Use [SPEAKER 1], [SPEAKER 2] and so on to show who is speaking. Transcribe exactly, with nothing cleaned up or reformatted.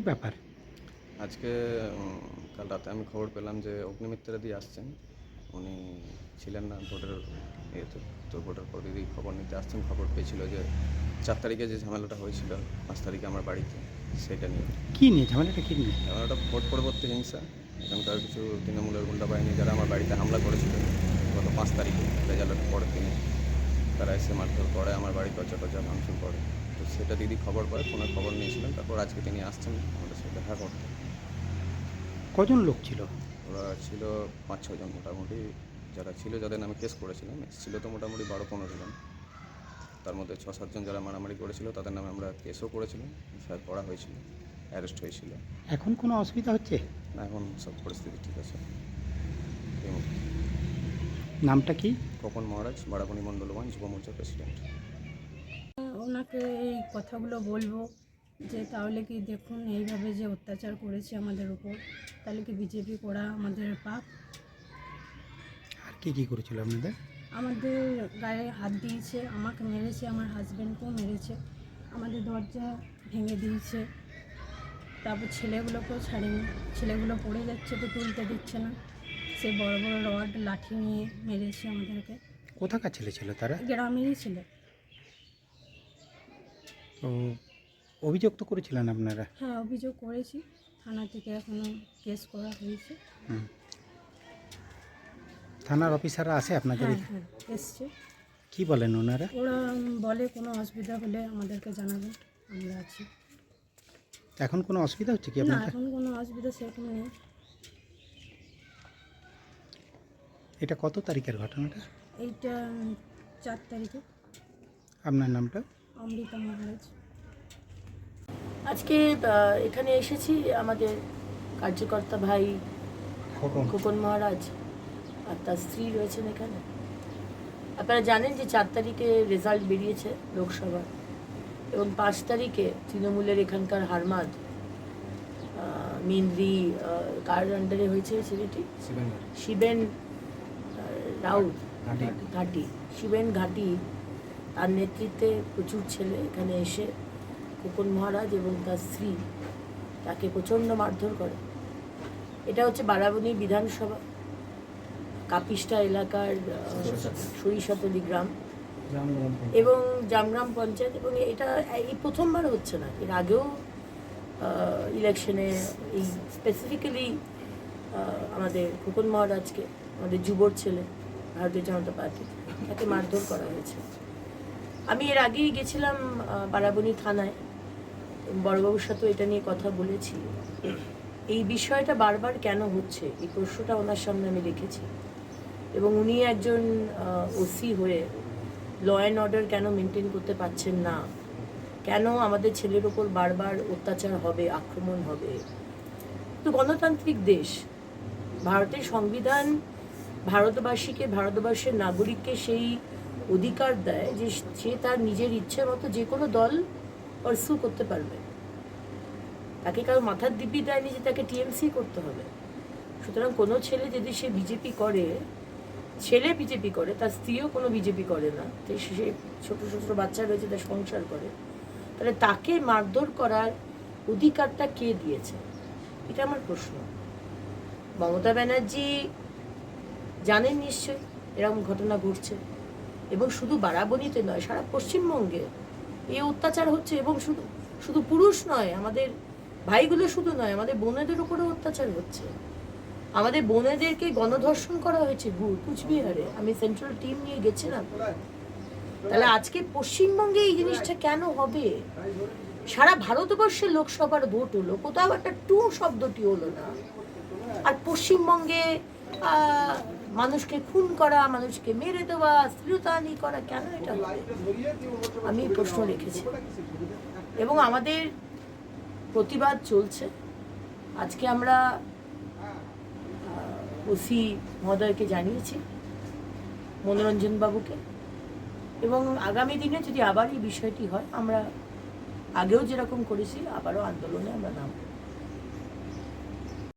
[SPEAKER 1] ব্যাপার?
[SPEAKER 2] আজকে উম, কাল রাতে আমি খবর পেলাম যে অগ্নিমিত্রা দিয়ে আসছেন। উনি ছিলেন না ভোটের ইয়েতে, তো ভোটের পর দিদি খবর নিতে আসছেন। খবর পেয়েছিল যে চার তারিখে যে ঝামেলাটা হয়েছিল পাঁচ তারিখে আমার বাড়িতে, সেটা নিয়ে।
[SPEAKER 1] কী নিয়ে ঝামেলাটা, কী নিয়ে?
[SPEAKER 2] ঝামেলাটা ভোট পরবর্তী হিংসা। এখানকার কিছু তৃণমূলের গুন্ডা বাহিনী যারা আমার বাড়িতে হামলা করেছিল গত পাঁচ তারিখে রেজাল্টের পরের দিনে, তারা এসে মারধর করে, আমার বাড়ি দরজা টরজা ভাঙচুর করে। তো সেটা দিদি খবর পায়, ফোনে খবর নিয়েছিলেন। তারপর আজকে তিনি আসছেন আমাদের সাথে দেখা করতে।
[SPEAKER 1] কজন লোক ছিল?
[SPEAKER 2] ওরা ছিল পাঁচ ছজন মোটামুটি, যারা ছিল যাদের নামে কেস করেছিলাম। ছিল তো মোটামুটি বারো পনেরো জন। তার মধ্যে ছ সাতজন যারা মারামারি করেছিল তাদের নামে আমরা কেসও করেছিলাম, এফআইআর করা হয়েছিল, অ্যারেস্ট হয়েছিল।
[SPEAKER 1] এখন কোনো অসুবিধা হচ্ছে?
[SPEAKER 2] না, এখন সব পরিস্থিতি ঠিক আছে। এই মুহূর্তে
[SPEAKER 1] নামটা কি?
[SPEAKER 2] খোকন মহারাজ, বারাবণী মণ্ডল ওয়ান যুব মোর্চার প্রেসিডেন্ট।
[SPEAKER 3] ওনাকে এই কথাগুলো বলবো যে তাহলে কি দেখুন এইভাবে যে অত্যাচার করেছে আমাদের উপর, তাহলে কি বিজেপি করা আমাদের পাপ?
[SPEAKER 1] আর কি কি করেছিল আপনাদের?
[SPEAKER 3] আমাদের গায়ে হাত দিয়েছে, আমাকে মেরেছে, আমার হাজব্যান্ডকেও মেরেছে, আমাদের দরজা ভেঙে দিয়েছে। তারপর ছেলেগুলোকেও ছাড়েনি, ছেলেগুলো পড়ে যাচ্ছে তো তুলতে দিচ্ছে না, সে বড় বড় রড লাঠি নিয়ে মেরেছে আমাদেরকে।
[SPEAKER 1] কোথাকার ছেলে ছিল তারা?
[SPEAKER 3] গ্রামেরই ছিল।
[SPEAKER 1] তো অভিযোগ তো করেছিলেন আপনারা?
[SPEAKER 3] হ্যাঁ, অভিযোগ করেছি, থানা থেকে এখনও কেস করা হয়েছে।
[SPEAKER 1] হুম। থানার অফিসাররা আছে আপনাদের?
[SPEAKER 3] হ্যাঁ হ্যাঁ এসছে।
[SPEAKER 1] কি বলেন ওনারা?
[SPEAKER 3] ওরা বলে কোনো অসুবিধা হলে আমাদেরকে জানাবেন, আমরা আছি।
[SPEAKER 1] এখন কোনো অসুবিধা হচ্ছে কি
[SPEAKER 3] না,
[SPEAKER 1] আপনাদের?
[SPEAKER 3] এখন কোনো অসুবিধা সেরকম নেই।
[SPEAKER 1] এটা কত তারিখের ঘটনাটা?
[SPEAKER 3] এইটা চার তারিখে।
[SPEAKER 1] আপনার নামটা?
[SPEAKER 3] অমৃতা মহারাজ।
[SPEAKER 4] আজকে আহ, এখানে এসেছি আমাদের কার্যকর্তা ভাই খোকন মহারাজ আর তার স্ত্রী রয়েছেন এখানে। আপনারা জানেন যে চার তারিখে রেজাল্ট বেরিয়েছে লোকসভা, এবং পাঁচ তারিখে তৃণমূলের এখানকার হারমাদ মেনলি কার আন্ডারে হয়েছে ছেলেটি শিবেন রাউত ঘাটি, শিবেন ঘাটি, তার নেতৃত্বে প্রচুর ছেলে এখানে এসে খোকন মহারাজ এবং তার স্ত্রী তাকে প্রচণ্ড মারধর করে। এটা হচ্ছে বারাবণী বিধানসভা কাপিস্টা এলাকার সরিষাতলি গ্রাম এবং জামগ্রাম পঞ্চায়েত, এবং এটা এই প্রথমবার হচ্ছে না, এর আগেও ইলেকশনে এই স্পেসিফিক্যালি আমাদের খোকন মহারাজকে, আমাদের যুবর ছেলে ভারতীয় জনতা পার্টি, তাকে মারধর করা হয়েছে। আমি এর আগেই গেছিলাম বারাবণী থানায়, বড়বাবুর সাথেও এটা নিয়ে কথা বলেছি। এই বিষয়টা বারবার কেন হচ্ছে এই প্রশ্নটা ওনার সামনে আমি রেখেছি, এবং উনি একজন ওসি হয়ে ল অ্যান্ড অর্ডার কেন মেনটেন করতে পারছেন না, কেন আমাদের ছেলের ওপর বারবার অত্যাচার হবে, আক্রমণ হবে। তো গণতান্ত্রিক দেশ, ভারতের সংবিধান ভারতবাসীকে, ভারতবর্ষের নাগরিককে সেই অধিকার দেয় যে সে তার নিজের ইচ্ছে মতো যে কোনো দল পারসু করতে পারবে। তাকে কারো মাথার দিব্যি দেয়নি যে তাকে টিএমসি করতে হবে। সুতরাং কোনো ছেলে যদি সে বিজেপি করে, ছেলে বিজেপি করে, তার স্ত্রীও কোনো বিজেপি করে না, তো সে ছোটো ছোটো বাচ্চা রয়েছে, তার সংসার করে, তাহলে তাকে মারধর করার অধিকারটা কে দিয়েছে? এটা আমার প্রশ্ন। মমতা ব্যানার্জি জানেন নিশ্চয়ই এরকম ঘটনা ঘটছে, এবং শুধু বারাবণীতে নয়, সারা পশ্চিমবঙ্গে এই অত্যাচার হচ্ছে, এবং শুধু শুধু পুরুষ নয়, আমাদের ভাইগুলো শুধু নয়, আমাদের বোনেদের উপরেও অত্যাচার হচ্ছে। আমাদের বোনেদেরকে গণধর্ষণ করা হয়েছে কুচবিহারে, আমি সেন্ট্রাল টিম নিয়ে গেছিলাম। তাহলে আজকে পশ্চিমবঙ্গে এই জিনিসটা কেন হবে? সারা ভারতবর্ষের লোকসভার ভোট হলো, কোথাও একটা টু শব্দটি হলো না, আর পশ্চিমবঙ্গে মানুষকে খুন করা, মানুষকে মেরে দেওয়া, শ্লীলতাহানি করা, কেন এটা হবে? আমি প্রশ্ন রেখেছি, এবং আমাদের প্রতিবাদ চলছে। আজকে আমরা ওসি মহোদয়কে জানিয়েছি, মনোরঞ্জন বাবুকে, এবং আগামী দিনে যদি আবার এই বিষয়টি হয়, আমরা আগেও যেরকম করেছি আবারও আন্দোলনে আমরা নামব।